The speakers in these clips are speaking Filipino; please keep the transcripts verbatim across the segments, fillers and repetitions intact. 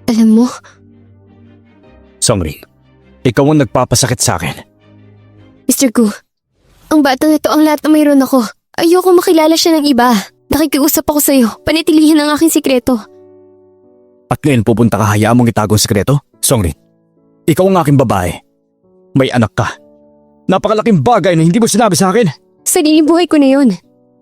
Alam mo, Songrin, ikaw ang nagpapasakit sa akin. mister Gu, ang batang ito ang lahat na mayroon ako. Ayoko makilala siya ng iba. Nakikiusap ako sa'yo, panitilihin ang aking sikreto. At ngayon pupunta ka, hayaan mong itago ang sikreto? Songrin, ikaw ang aking babae. May anak ka. Napakalaking bagay na hindi mo sinabi sa akin. Sariling buhay ko na yun.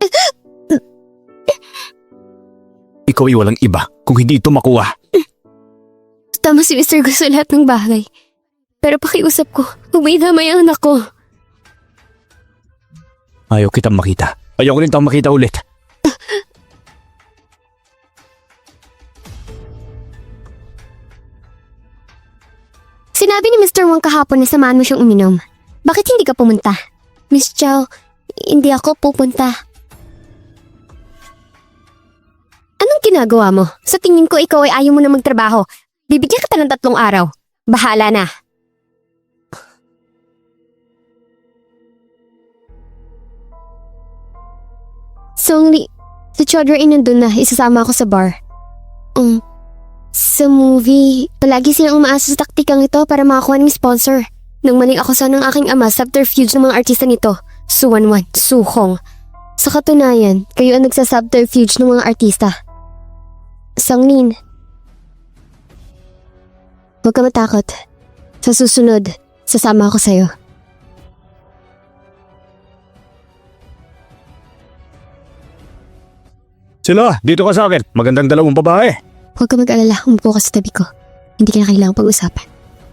Ikaw ay walang iba kung hindi ito makuha. Tama si mister Gu sa lahat ng bagay. Pero pakiusap ko, huwag may damay ang anak ko. Ayaw kitang makita. Ayaw ko rin tang makita ulit. Sinabi ni mister Wang kahapon na samahan mo siyang uminom. Bakit hindi ka pumunta? Miss Chow, hindi ako pupunta. Anong ginagawa mo? Sa tingin ko ikaw ay ayaw mo na magtrabaho. Bibigyan kita ng tatlong araw. Bahala na. Songli, si Chodra ay nandun na. Isasama ako sa bar. Um, sa movie, palagi silang umaasa sa taktikang ito para makakuha ng sponsor. Nang maling akusan ng aking ama, subterfuge ng mga artista nito. Suwanwan, Suhong. Sa katunayan, kayo ang nagsasubterfuge ng mga artista. Songlin, huwag ka matakot. Sa susunod, sasama ako sa'yo. Sila, dito ka sa akin. Magandang dalawang babae. Huwag ka mag-alala, umupo ka sa tabi ko. Hindi ka na kailangang pag-usapan.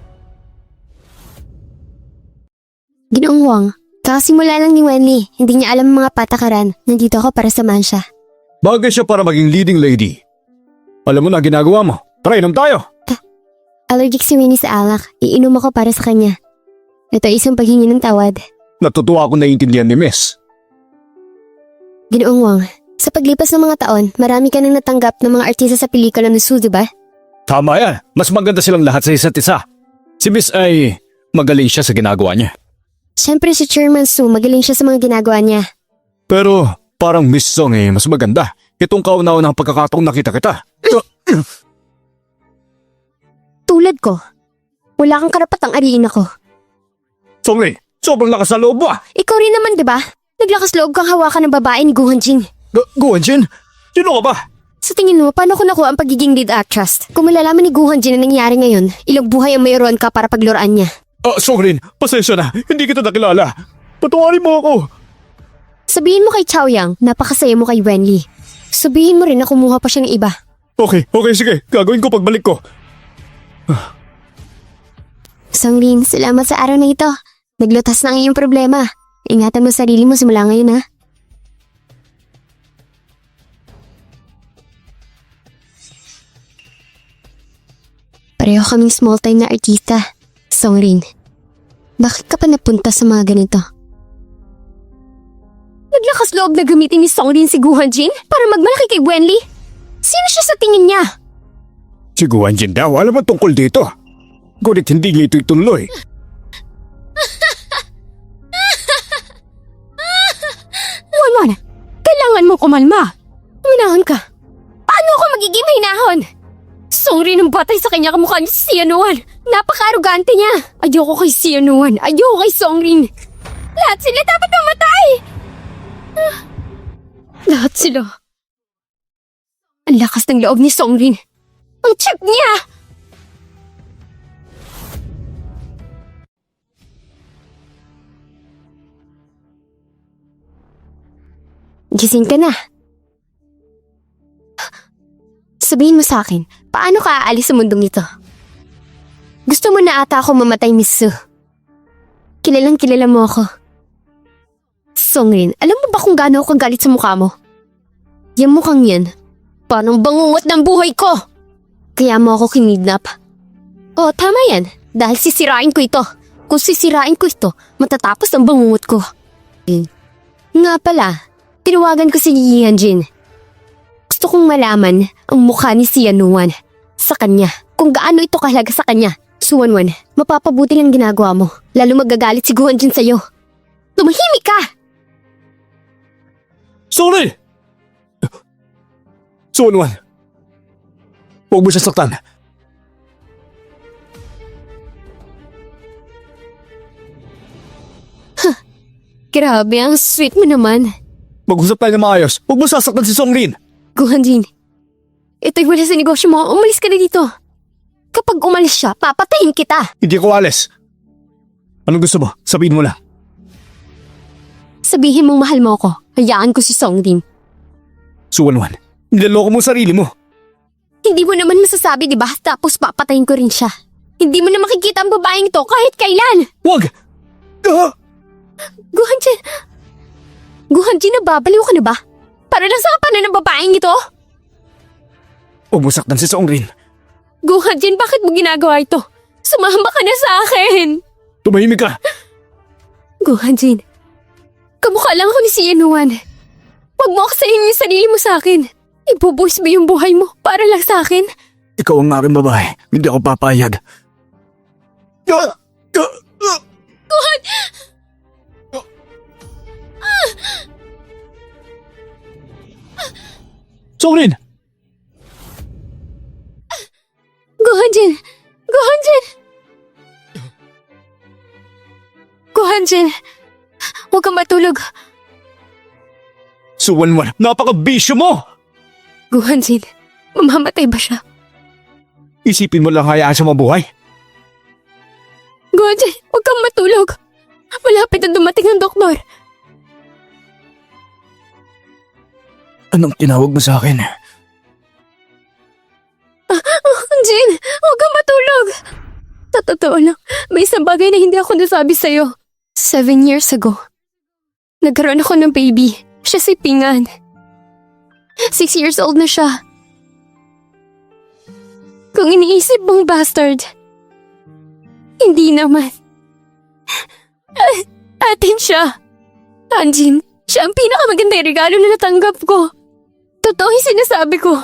Ginoong Wang, kakasimula lang ni Wenli. Hindi niya alam ang mga patakaran. Nandito ako para samahan siya. Bagay siya para maging leading lady. Alam mo na ginagawa mo. Tara, inom tayo. Allergic si Winnie sa alak. Iinom ako para sa kanya. Ito ay isang paghingi ng tawad. Natutuwa ako naiintindihan ni Miss. Ginoong Wang, sa paglipas ng mga taon, marami ka nang natanggap ng mga artista sa pelikula ng Su, di ba? Tama yan. Mas maganda silang lahat sa isa't isa. Si Miss ay magaling siya sa ginagawa niya. Siyempre si Chairman Su, magaling siya sa mga ginagawa niya. Pero parang Miss Song eh, mas maganda. Itong kauna-unang pagkakataong nakita kita. Tulad ko. Wala kang karapatang ariin ako. Songli, sobrang lakas sa loob mo ah. Ikaw rin naman, di ba? Naglakas loob kang hawakan ng babae ni Gu Hanjin. Gu- Guanjin? Sino ka ba? Sa tingin mo, paano ko nakuha ang pagiging lead actress? Kung malalaman ni Gu Hanjin na nangyari ngayon, ilang buhay ang mayroon ka para pagluraan niya. Ah, Songrin, pasensya na. Hindi kita nakilala. Patawarin mo ako. Sabihin mo kay Chao Yang, napakasaya mo kay Wenli. Sabihin mo rin na kumuha pa siya ng iba. Okay, okay, sige. Gagawin ko pagbalik ko. Songlin, salamat sa araw na ito. Naglutas na ang iyong problema. Ingatan mo sarili mo simula ngayon, ha? Pareho kaming small time na artista. Songlin, bakit ka pa napunta sa mga ganito? Naglakas loob na gamitin ni Songlin si Gu Hanjin para magmalaki kay Wenli? Sino siya sa tingin niya? Si Guanjin daw, alam mo tungkol dito. Ngunit hindi niya ito ituloy. Wanwan, kailangan mo kumalma. Minahon ka. Paano ako magiging mahinahon? Songrin ng batay sa kanya kamukha ni Sianuan. Napaka-arugante niya. Ayoko kay Sianuan. Ayoko kay Songrin. Lahat sila dapat mamatay. Ah, lahat sila. Ang lakas ng loob ni Songrin. Ang cheap niya. Gising ka na. Sabihin mo sa akin, paano ka aalis sa mundong ito? Gusto mo na ata ako mamatay, Miss Su. Kilalang kilala mo ako. Songrin, alam mo ba kung gaano ako kagalit sa mukha mo? Yung mukhang yan, parang bangungot ng buhay ko. Kaya mo ako kinidnap. Oh, tama yan. Dahil sisirain ko ito. Kung sisirain ko ito, matatapos ang bangungot ko. Eh, nga pala, tinawagan ko si Yi Hanjin. Gusto kong malaman ang mukha ni Sianuan sa kanya. Kung gaano ito kahalaga sa kanya. Suwanwan, mapapabuti lang ginagawa mo. Lalo magagalit si Gu Hanjin sa'yo. Tumahimik ka! Sorry! Suwanwan, huwag mo siya saktan. Grabe, ang sweet mo naman. Mag-usap tayo na maayos. Huwag mo sasaktan si Songlin. Guhanjin, ito'y wala sa negosyo mo. Umalis ka na dito. Kapag umalis siya, papatayin kita. Hindi ako alis. Anong gusto mo? Sabihin mo lang. Sabihin mong mahal mo ako. Hayaan ko si Songlin. Suwanwan, nilaloko mo sarili mo. Hindi mo naman masasabi, di ba? Tapos papatayin ko rin siya. Hindi mo na makikita ang babaeng to kahit kailan. Wag! Ah! Guhanjin, Guhanjin, nababaliw ka na ba? Para lang sa kapanan ng babaeng ito? Huwag mo saktan si Songlin. Guhanjin, bakit mo ginagawa ito? Sumama ka na sa akin. Tumahimik ka. Guhanjin, kamukha lang ako ni si Yanuan. Huwag mo aksayin yung sarili mo sa akin. Ibubuhos mo yung buhay mo para lang sa akin. Ikaw ang aking babae. Hindi ako papayag. Ah! Ah! Ah! Guhan! Songlin! Guhanjin! Guhanjin! Guhanjin! Huwag kang matulog. Suwanwan, napaka-bisyo mo! Guhanjin, mamamatay ba siya? Isipin mo lang hayaan siya mabuhay. Guhanjin, huwag kang matulog. Malapit na dumating ang doktor. Anong tinawag mo sa akin? Guhanjin, huwag kang matulog. Sa totoo lang, may isang bagay na hindi ako nasabi sa'yo. Seven years ago, nagkaroon ako ng baby. Siya si Pingan. Six years old na siya. Kung iniisip mong bastard, hindi naman. A- atin siya. Anjin, siya ang pinakamagandang regalo na natanggap ko. Totoo yung sinasabi ko.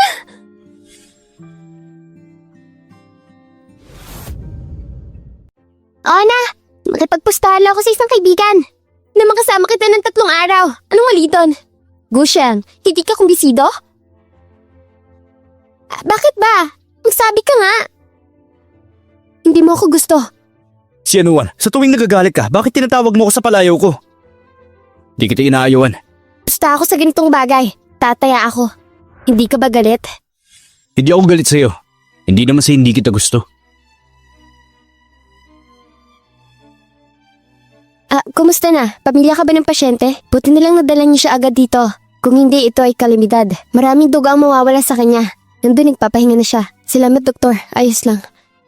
Oo na, makipagpustahan lang ako sa isang kaibigan na makasama kita ng tatlong araw. Anong mali doon? Gusheng, hindi ka kumbisido? Ah, bakit ba? Magsabi ka nga. Hindi mo ako gusto. Si Anuan, sa tuwing nagagalit ka, bakit tinatawag mo ako sa palayaw ko? Di kita inaayawan. Basta ako sa ganitong bagay. Tataya ako. Hindi ka ba galit? Hindi ako galit sa'yo. Hindi naman sa hindi kita gusto. Ah, kumusta na? Pamilya ka ba ng pasyente? Buti na lang nadala niyo siya agad dito. Kung hindi, ito ay kalamidad. Maraming duga ang mawawala sa kanya. Nandun nagpapahinga na siya. Salamat, doktor. Ayos lang.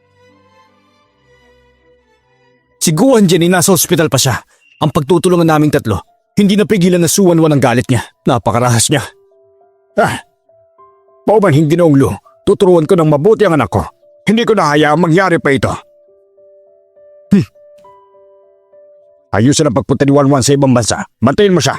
Si Guan Jenny nasa ospital pa siya. Ang pagtutulungan naming tatlo, hindi napigilan na suwan-wan ang galit niya. Napakarahas niya. Ah, pauban hindi na unglo. Tuturuan ko ng mabuti ang anak ko. Hindi ko na hayaang mangyari pa ito. Hmm. Ayusin ang pagpunta ni Wanwan sa ibang bansa. Bantayin mo siya.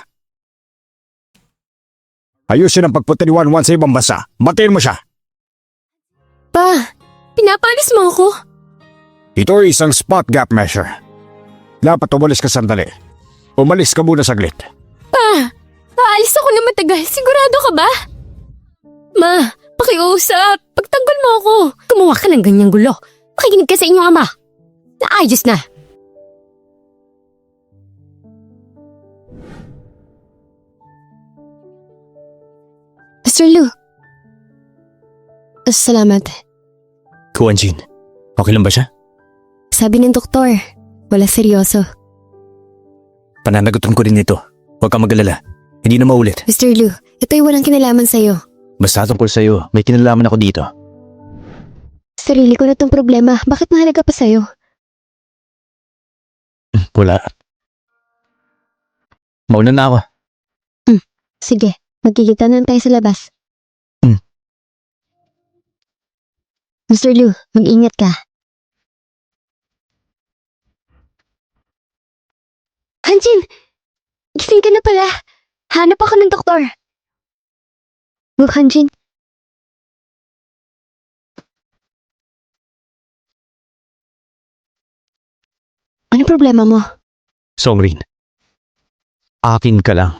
Ayusin ang pagpunta ni Wanwan sa ibang bansa. Bantayin mo siya. Pa, pinapalis mo ako? Ito ay isang spot gap measure. Dapat umalis ka sandali. Umalis ka muna saglit. Pa, aalis ako na matagal. Sigurado ka ba? Ma, pakiusap. Pagtanggol mo ako. Gumawa ka ng ganyang gulo. Makikinig ka sa inyong ama. Naayos na. Mister Lu. Salamat. Guan Jin, okay lang ba siya? Sabi ng doktor, wala seryoso. Pananagutan ko rin ito. Huwag kang mag-alala. Hindi na maulit. Mister Lu, ito'y walang kinalaman sa'yo. Basta tungkol sa'yo, may kinalaman ako dito. Sarili ko na tong problema. Bakit mahalaga pa sa'yo? Wala. Mauna na ako. Sige, magkikita na tayo sa labas. Hmm. Mister Lu, mag-ingat ka. Hanjin! Gising ka na pala. Hanap ako ng doktor. Oh, Hanjin. Ano problema mo? Songrin, akin ka lang.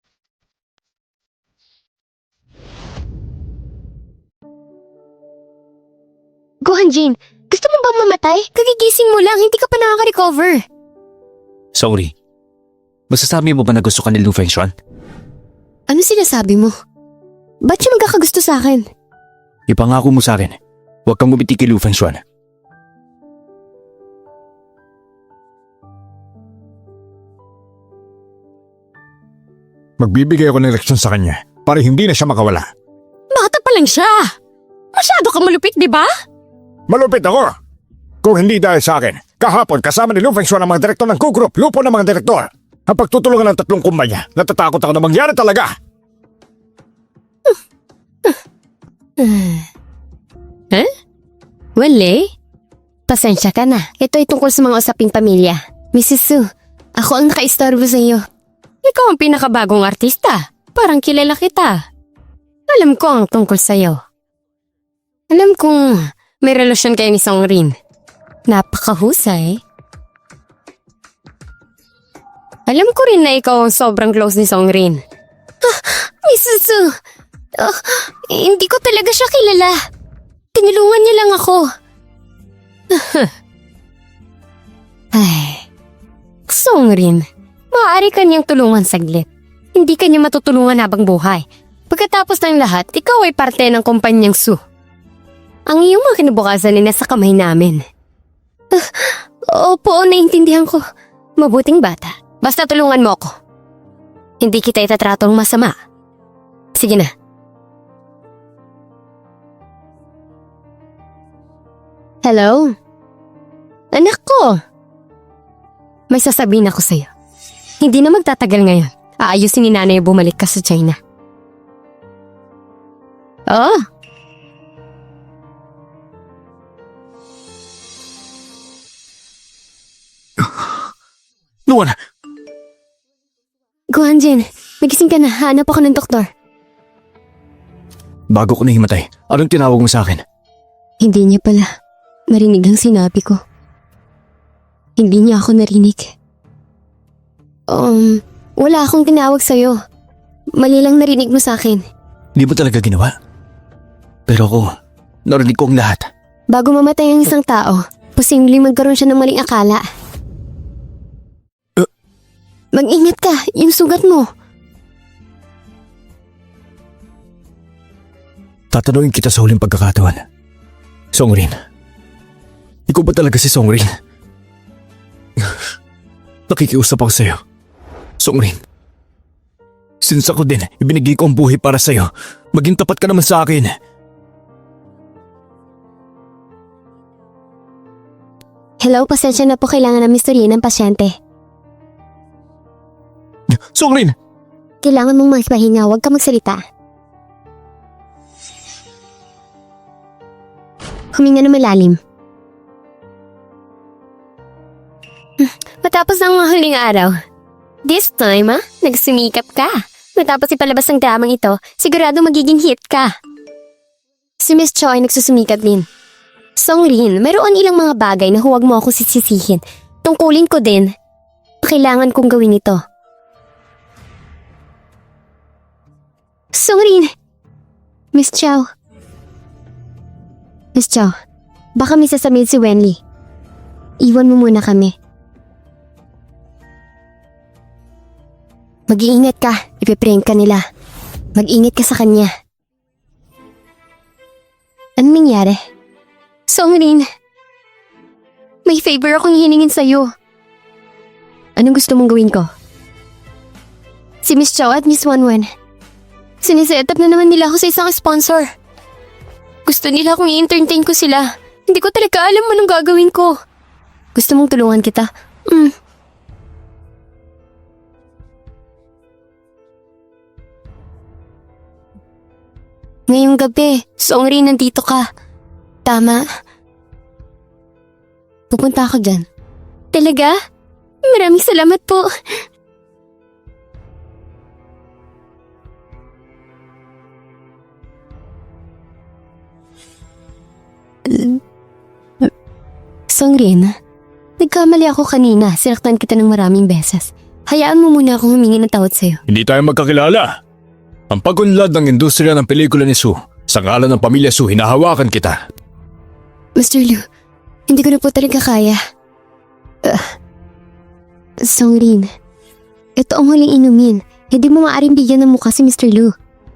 Go, Hanjin. Gusto mo bang mamatay? Kagigising mo lang, hindi ka pa nakaka-recover. Sorry. Masasabi mo ba na gusto ka ni Lu Fengshuan? Ano sinasabi mo? Ba't siya magkakagusto sa akin? Ipangako mo sa akin, huwag kang bumiti kay Lu Fengshuan. Magbibigay ako ng leksyon sa kanya para hindi na siya makawala. Bata pa lang siya. Masyado kang malupit, di ba? Malupit ako! Kung hindi dahil sa akin, kahapon kasama ni Lu Fengshuan ang mga direktor ng Q-Group, lupo ng mga direktor. Ang pagtutulungan ng tatlong kumpanya, natatakot ako na mangyari talaga. Huh? Wale? Pasensya ka na. Ito ay tungkol sa mga usaping pamilya. Missus Su, ako ang nakaistorbo sa iyo. Ikaw ang pinakabagong artista. Parang kilala kita. Alam ko ang tungkol sa iyo. Alam kong may relasyon kayo ni Song Rin. Napakahusay. Alam ko rin na ikaw ang sobrang close ni Song Rin. Ah, Missus Su, ah, hindi ko talaga siya kilala. Tinulungan niya lang ako. Ay, Song Rin, maaari ka niyang tulungan saglit. Hindi ka niya matutulungan habang buhay. Pagkatapos ng lahat, ikaw ay parte ng kumpanyang Su. Ang iyong mga kinabukasan ay nasa kamay namin. Ah, opo, naiintindihan ko. Mabuting bata. Basta tulungan mo ako. Hindi kita itatratong masama. Sige na. Hello? Anak ko! May sasabihin ako sa'yo. Hindi na magtatagal ngayon. Aayusin ni nanay bumalik ka sa China. Oh! Luan! Guanjin, magising ka na. Hanap ako ng doktor. Bago ko nahimatay, anong tinawag mo sa akin? Hindi niya pala. Marinig ang sinabi ko. Hindi niya ako narinig. Um, wala akong tinawag sa'yo. Mali lang narinig mo sa akin. Hindi mo talaga ginawa? Pero ako, narinig ko ang lahat. Bago mamatay ang isang tao, posibleng magkaroon siya ng maling akala. Uh, Mag-ingat ka, yung sugat mo. Tatanungin kita sa huling pagkakataon. Song Rin. Ikaw ba talaga si Song Rin? Nakikiusap ako sa'yo. Song Rin. Since ako din, ibinigay ko ang buhay para sa'yo. Maging tapat ka naman sa akin. Hello, pasensya na po, kailangan na misturya ng pasyente. Song Rin! Kailangan mong magpahinga, huwag ka magsalita. Huminga na malalim. Matapos ang mga huling araw. This time, ah, nagsumikap ka. Matapos ipalabas ang dramang ito, sigurado magiging hit ka. Si Miss Cho ay nagsusumikap din. Song Rin, mayroon ilang mga bagay na huwag mo ako sisisihin. Tungkulin ko din. Kailangan kong gawin ito. Song Rin! Miss Chow. Miss Chow, baka may sasabihin si Wenli. Iwan mo muna kami. Mag-iingat ka, ipiprank ka nila. Mag-ingat ka sa kanya. Anong nangyari? Song Rin, may favor akong hiningin sa'yo. Anong gusto mong gawin ko? Si Miss Chow at Miss Wanwan, siniset up na naman nila ako sa isang sponsor. Gusto nila akong i-entertain ko sila. Hindi ko talaga alam anong gagawin ko. Gusto mong tulungan kita? Mm. Ngayong gabi, Song Rin, nandito ka. Tama. Pupunta ako dyan. Talaga? Maraming salamat po. Song Rin, nagkamali ako kanina. Sinaktan kita ng maraming beses. Hayaan mo muna akong humingi ng tawad sa'yo. Hindi tayo magkakilala. Ang pagunlad ng industriya ng pelikula ni Su, sa ngalan ng pamilya Su, hinahawakan kita. Mister Liu, hindi ko na po talaga kaya. Uh, Song Rin, Ito ang huling inumin. Hindi mo maaaring bigyan ng mukha si mister Lu.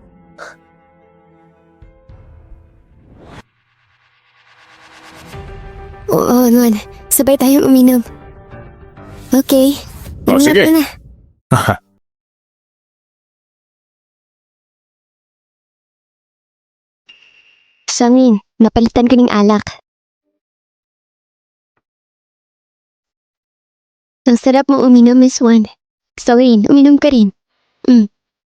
Oo, Nuan. Sabay tayong uminom. Okay. Oh, sige. Ingat ka na. Haha. Sangin, napalitan ko ng alak. Ang sarap mo uminom, Miss Wan. Sangin, uminom ka rin. Mm.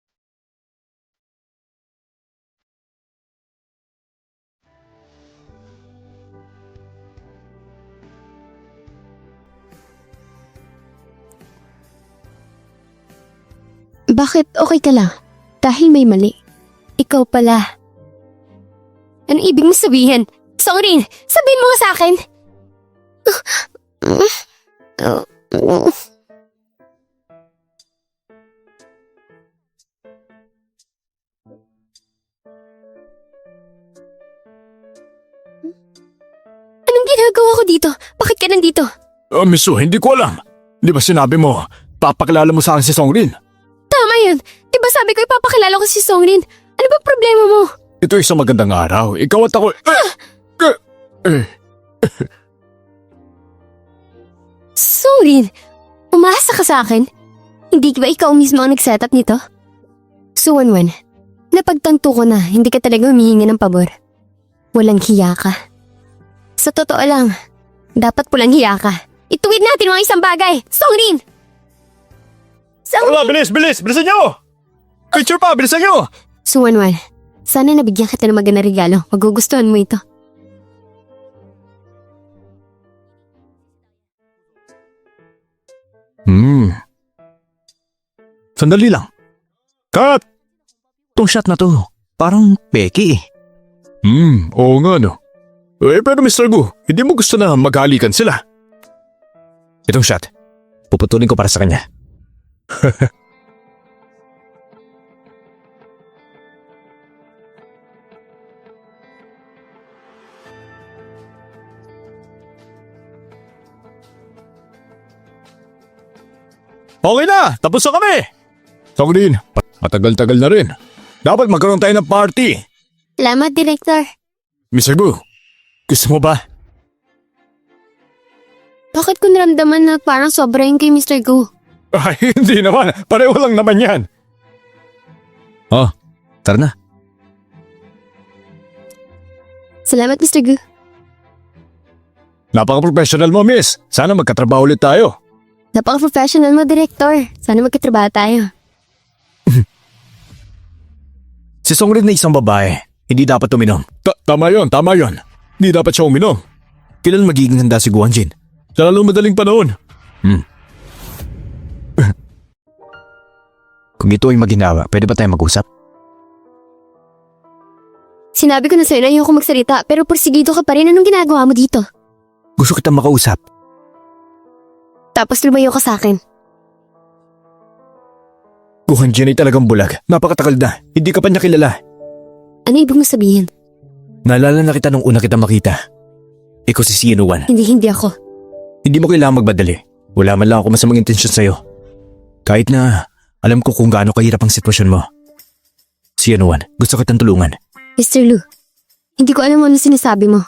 Bakit okay ka lang? Dahil may mali. Ikaw pala. Ano ibig mo sabihin? Sorry, sabihin mo nga sa akin. Anong ginagawa ko dito? Bakit ka nandito? Oh, Miss Su, hindi ko alam. Di ba sinabi mo, papakilala mo sa akin si Songrin? Tama yun. Diba sabi ko ipapakilala ko si Songrin? Ano ba problema mo? Ito isang magandang araw. Ikaw at ako... Eh, eh, eh. Songrin, umasa ka sa akin? Hindi ba ikaw mismo ang nag-set up nito? Suwanwan, napagtanto ko na hindi ka talaga humihingi ng pabor. Walang hiya ka. Sa totoo lang, dapat pulang hiya ka. Ituwid natin mga isang bagay. Songrin! Songrin! Wala, bilis, bilis! Bilisan niyo! Picture pa, bilisan niyo! Suwanwan, sana nabigyan kita ng magandang regalo. Magugustuhan mo ito. Hmm. Sandali lang. Cut! Tong shot na to, parang peki eh. Hmm, oo nga no. Eh pero mister Gu, hindi mo gusto na maghalikan sila? Itong shot, puputulin ko para sa kanya. Okay na, tapos na kami! Songrin, matagal-tagal na rin. Dapat magkaroon tayo ng party. Salamat, Director. mister Gu, gusto mo ba? Bakit ko naramdaman na parang sobra yung kay mister Go? Ay, hindi naman. Pareho lang naman yan. Oh, tara na. Salamat, mister Go. Napaka-professional mo, miss. Sana magkatrabaho ulit tayo. Napaka-professional mo, Director. Sana magkatrabaho tayo. Si Songrin na isang babae, hindi dapat uminom. Ta- tama yon, tama yon. Hindi dapat siya uminom. Kailan magiging handa si Guanjin? Sa lalong madaling panahon. Hmm. Kung ito ay maginawa, pwede ba tayo mag-usap? Sinabi ko na sa'yo na ayoko magsalita, pero porsigido ka pa rin. Anong ginagawa mo dito? Gusto kitang makausap. Tapos lumayo ka sa akin. Guanjin ay talagang bulag. Napakatagal na. Hindi ka pa niya kilala. Ano ibig mo sabihin? Naalala na kita nung una kita makita. Ikaw si Sinuan. Hindi, hindi ako. Hindi mo kailangang magbadali. Wala man lang ako masamang intensyon sa'yo. Kahit na alam ko kung gaano kahirap ang sitwasyon mo. Sinuan, gusto kitang tulungan. mister Lu, hindi ko alam ano sinasabi mo.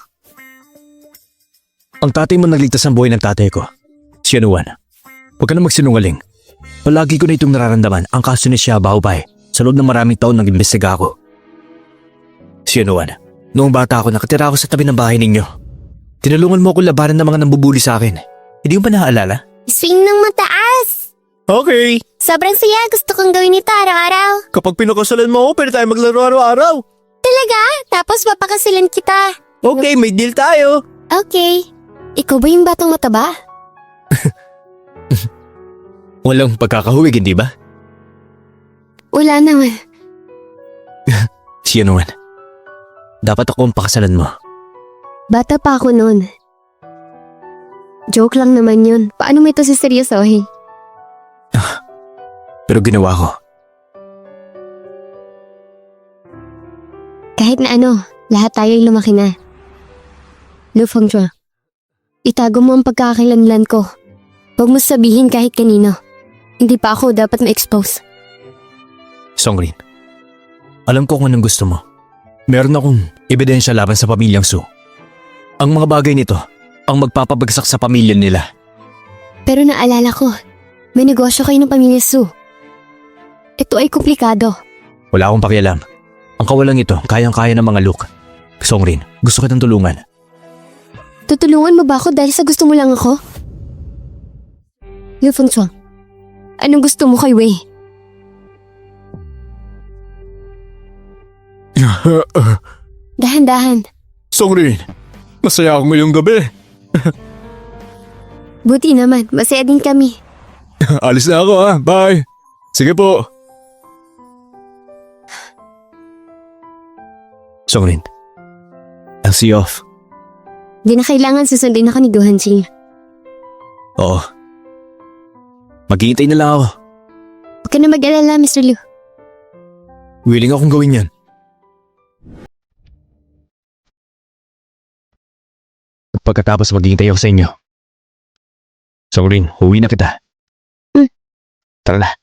Ang tatay mo nagligtas ng buhay ng tatay ko. Sinuan, huwag ka na magsinungaling. Palagi ko na itong nararamdaman ang kaso ni Xia Baobei sa loob ng maraming taon nang imbestiga ako. Sinuan, noong bata ako nakatira ako sa tabi ng bahay ninyo. Tinulungan mo ako labanan ng mga nambubuli sa akin. Hindi mo pa naaalala? Swing ng mataas! Okay. Sobrang saya. Gusto kong gawin ito araw-araw. Kapag pinakasalan mo ako, pwede tayo maglaro araw-araw. Talaga? Tapos papakasalan kita. Okay, may deal tayo. Okay. Ikaw ba yung batang mataba? Walang pagkakahuwig, hindi ba? Wala naman. Sinuan, dapat ako ang pakasalan mo. Bata pa ako noon. Joke lang naman yun. Paano mo ito siseryosohin? Pero ginawa ko. Kahit na ano, lahat tayo ay lumaki na. Lu Fengzhou, itago mo ang pagkakakilanlan ko. Huwag mo sabihin kahit kanino. Hindi pa ako dapat ma-expose. Songrin, alam ko kung anong gusto mo. Meron akong ebidensya laban sa pamilyang Su. Ang mga bagay nito ang magpapabagsak sa pamilya nila. Pero naalala ko, may negosyo kayo ng pamilya Su. Ito ay komplikado. Wala akong pakialam. Ang kawalang ito, kayang-kaya ng mga Luke. Songrin, gusto kitang tulungan. Tutulungan mo ba ako dahil sa gusto mo lang ako? Liu Fengchuan, anong gusto mo kay Wei? Dahan-dahan. Songrin, masaya ako ngayong gabi. Buti naman, masaya din kami. Alis na ako ha, bye. Sige po. Songrin, I'll see you off. Di na kailangan susundin ako ni Gohanjing. Oo. Maghihintay na lang ako. Huwag ka na mag-alala, Mister Liu. Willing akong gawin yan. Pagkatapos maghihintay ako sa inyo. Songrin, huwi na kita. Hmm. Tara na.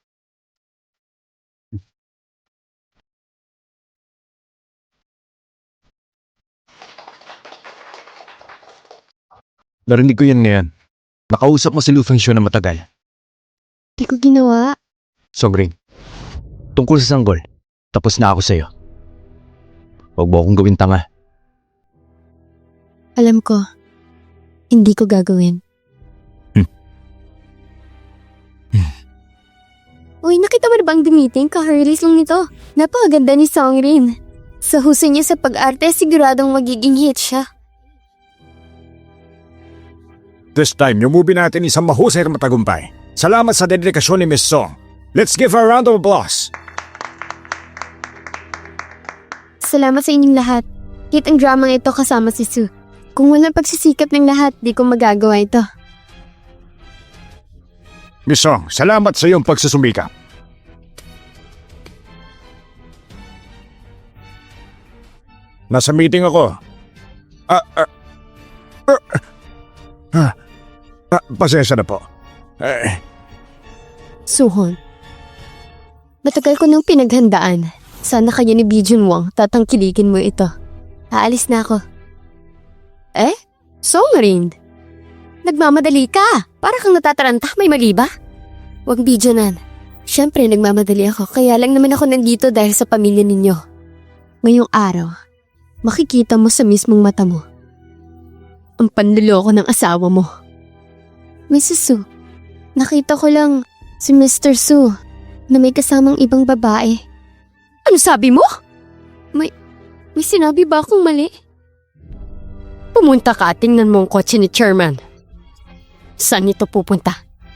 Narinig ko yan ngayon. Nakausap mo si Lu Fengxiu na matagal. Di ko ginawa. Songrin, tungkol sa sanggol, tapos na ako sa'yo. Huwag mo akong gawin tanga. Alam ko, hindi ko gagawin. Hmm. Uy, nakita mo na bang meeting? Ka-release lang nito. Napakaganda ni Songrin. Sa husay niya sa pag-arte, siguradong magiging hit siya. This time, yung movie natin isang mahusay at matagumpay. Salamat sa dedikasyon ni Miss Song. Let's give her a round of applause. Salamat sa inyong lahat. Hit ang drama ito kasama si Su. Kung walang pagsisikap ng lahat, di ko magagawa ito. Miss Song, salamat sa iyong pagsusumikap. Nasa meeting ako. Ah, ah, ah, ah, ah, pasensya na po. Eh, Suhon. Matagal ko nang pinaghandaan. Sana kaya ni Bijun Wang tatangkilikin mo ito. Aalis na ako. Eh? Songrin? Nagmamadali ka. Para kang natataranta, may mali ba? Huwag Bijunan. Siyempre nagmamadali ako, kaya lang naman ako nandito dahil sa pamilya ninyo. Ngayong araw, makikita mo sa mismong mata mo ang panluloko ng asawa mo. Missus Su, nakita ko lang si Mister Su na may kasamang ibang babae. Ano sabi mo? May, may sinabi ba akong mali? Pumunta ka at tingnan mo ang kotse ni Chairman. Saan ito pupunta?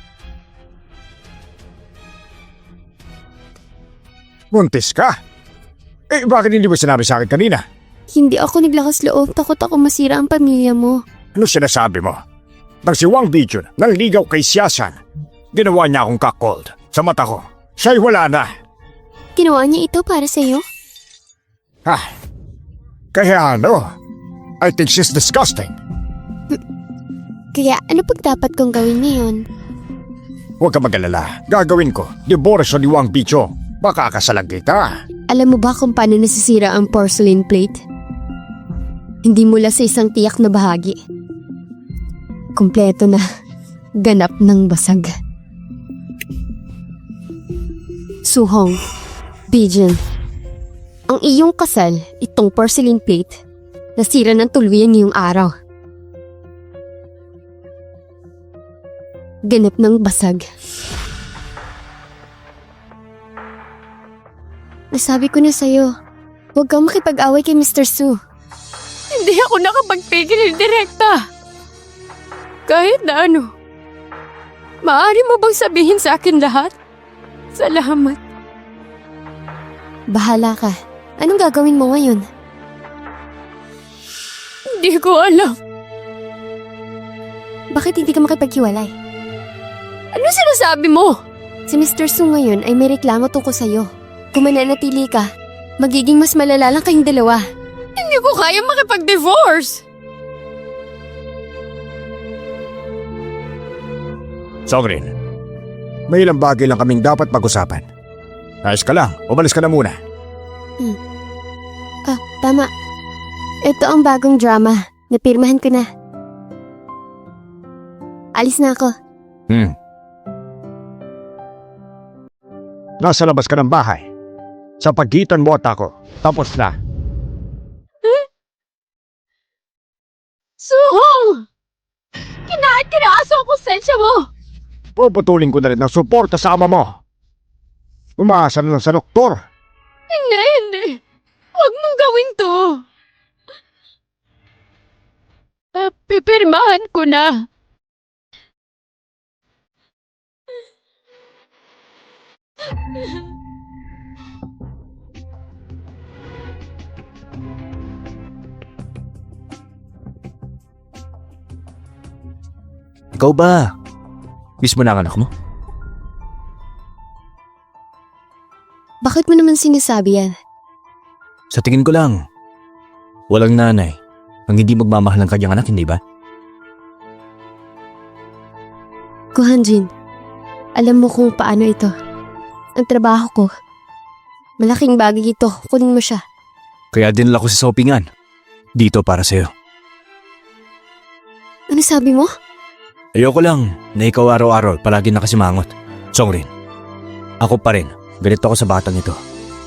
buntis ka? Eh, bakit hindi mo sinabi sa akin kanina? Hindi ako naglakas loob. Takot ako masira ang pamilya mo. Ano sinasabi mo? Nang si Wang Bijun nanligaw kay Xiaoshan, ginawa niya akong cuckold sa mata ko. Siya'y wala na. Ginawa niya ito para sa'yo? Ha? Kaya ano? I think she's disgusting. Kaya ano pag dapat kong gawin ngayon? Huwag ka mag-alala. Gagawin ko. Diborsyo ni Wang Bijun. Makakasalang kita. Alam mo ba kung paano nasisira ang porcelain plate? Hindi mula sa isang tiyak na bahagi. Kompleto na. Ganap ng basag. Suhong, Bijun, ang iyong kasal, itong porcelain plate, nasira ng tuluyan ngayong araw. Ganap ng basag. Nasabi ko na sa'yo, huwag kang makipag-away kay Mister Su. Hindi ako nakapagpigil direkta. Kahit na ano. Maaari mo bang sabihin sa akin lahat? Salamat. Bahala ka. Anong gagawin mo ngayon? Hindi ko alam. Bakit hindi ka makipaghiwalay? Ano sinasabi mo? Si Mister Su ngayon ay may reklamo tungkol sa'yo. Kung mananatili ka, magiging mas malala lang kayong dalawa. Hindi ko kaya makipag-divorce! Songrin, May ilang bagay lang kaming dapat pag-usapan. Ayos ka lang, umalis ka na muna. Ah, tama. Ito ang bagong drama. Napirmahan ko na. Alis na ako. Hmm. Nasa labas ka ng bahay. Sa pagitan mo at ako. Tapos na. Suhong! Kinahat kinaaso ang konsensya mo! Puputulin ko na rin ng suporta sa ama mo. Umaasa na lang sa doktor. Hindi, hindi. Huwag mong gawin to. Uh, pipirmahan ko na. Ikaw ba? Miss mo na ang anak mo? Bakit mo naman sinasabi yan? Sa tingin ko lang, walang nanay ang hindi magmamahal ng kanyang anak, hindi ba? Kuhanjin, alam mo kung paano ito. Ang trabaho ko. Malaking bagay ito. Kunin mo siya. Kaya dinala ko sa shoppingan. Dito para sa'yo. Ano sabi mo? Ayoko lang na ikaw araw-araw palagi nakasimangot. Songrin, ako pa rin. Ganito ako sa batang ito.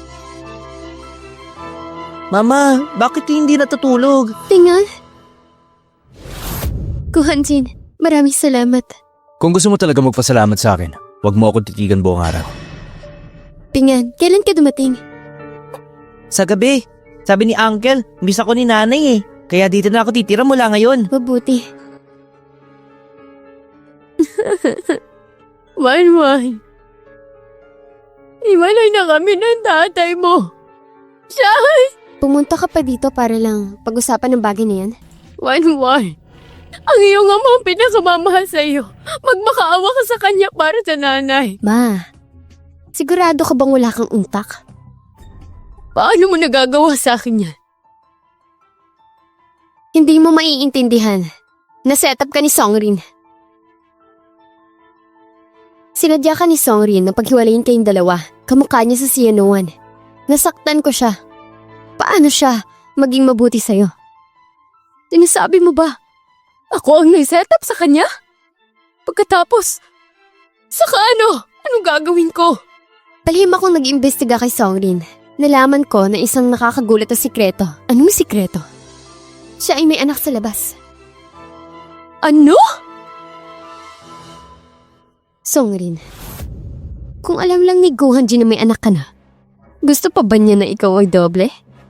Mama, bakit hindi natutulog? Tingnan. Kuhanjin, maraming salamat. Kung gusto mo talaga magpasalamat sa akin, huwag mo ako titigan buong araw. Pingan, kailan ka dumating? Sa gabi. Sabi ni Uncle, miss ako ni Nanay eh. Kaya dito na ako titira mula ngayon. Mabuti. Wan-wan. Iwalay na kami ng tatay mo. Siya! Pumunta ka pa dito para lang pag-usapan ng bagay na yan? Wan-wan. Ang iyong ama ang pinakamamahal sa iyo. Magmakaawa ka sa kanya para sa nanay. Ma, sigurado ka bang wala kang untak? Paano mo nagagawa sa akin yan? Hindi mo maiintindihan. Na-set up ka ni Songrin. Sinadya ka ni Songrin na paghiwalayin kayong dalawa. Kamukha niya sa Sianuan. Nasaktan ko siya. Paano siya maging mabuti sa'yo? Sinasabi mo ba? Ako ang nag-set up sa kanya? Pagkatapos, saka ano? Anong gagawin ko? Palihim akong nag-imbestiga kay Songrin. Nalaman ko na isang nakakagulat na sikreto. Anong sikreto? Siya ay may anak sa labas. Ano? Songrin, kung alam lang ni Gohanji na may anak ka na, gusto pa ba niya na ikaw ay doble?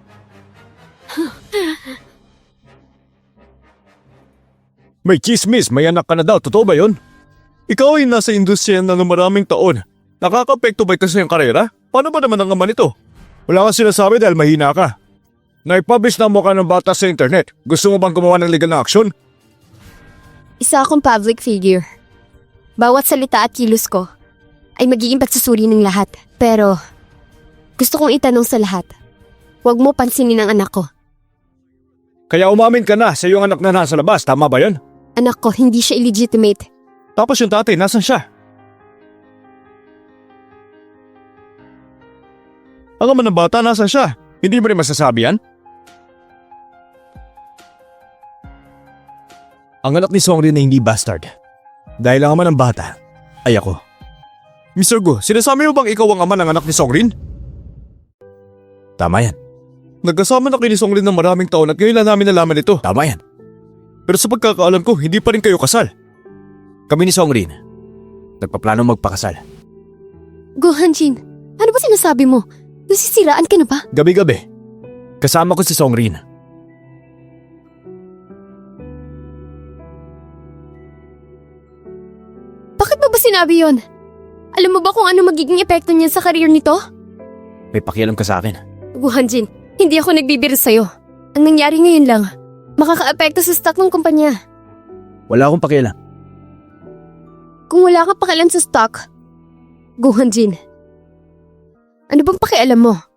May chismis, may anak ka na daw. Totoo ba yun? Ikaw ay nasa industriya na ng maraming taon. Nakaka-apekto ba ito sa iyong karera? Paano ba naman ang ama nito? Wala kang sinasabi dahil mahina ka. Naipublish na mo ka ng bata sa internet. Gusto mo bang gumawa ng legal na aksyon? Isa akong public figure. Bawat salita at kilos ko ay magiging pagsusuri ng lahat. Pero gusto kong itanong sa lahat, huwag mo pansinin ang anak ko. Kaya umamin ka na sa iyong anak na nasa labas. Tama ba yun? Anak ko, hindi siya illegitimate. Tapos yung tatay, nasan siya? Ang ama ng bata, nasan siya? Hindi mo rin masasabi yan? Ang anak ni Songrin na hindi bastard. Dahil ang ama ng bata ay ako. mister Go, sinasabi mo bang ikaw ang ama ng anak ni Songrin? Tama yan. Nagkasama na kayo ni Songrin ng maraming taon at ngayon lang namin nalaman ito. Tama yan. Pero sa pagkakaalam ko, hindi pa rin kayo kasal. Kami ni Songrin, nagpaplano magpakasal. Gohanjin, ano ba sinasabi mo? Nasisiraan ka na ba? Gabi-gabi, kasama ko si Songrin. Bakit mo ba sinabi yon? Alam mo ba kung ano magiging epekto niyan sa career nito? May pakialam ka sa akin. Gohanjin, hindi ako nagbibiro sa'yo. Ang nangyari ngayon lang, makaka-apekto sa stock ng kumpanya. Wala akong pakialam. Kung wala ka pakialam sa stock, Gohanjin, ano bang pakialam mo?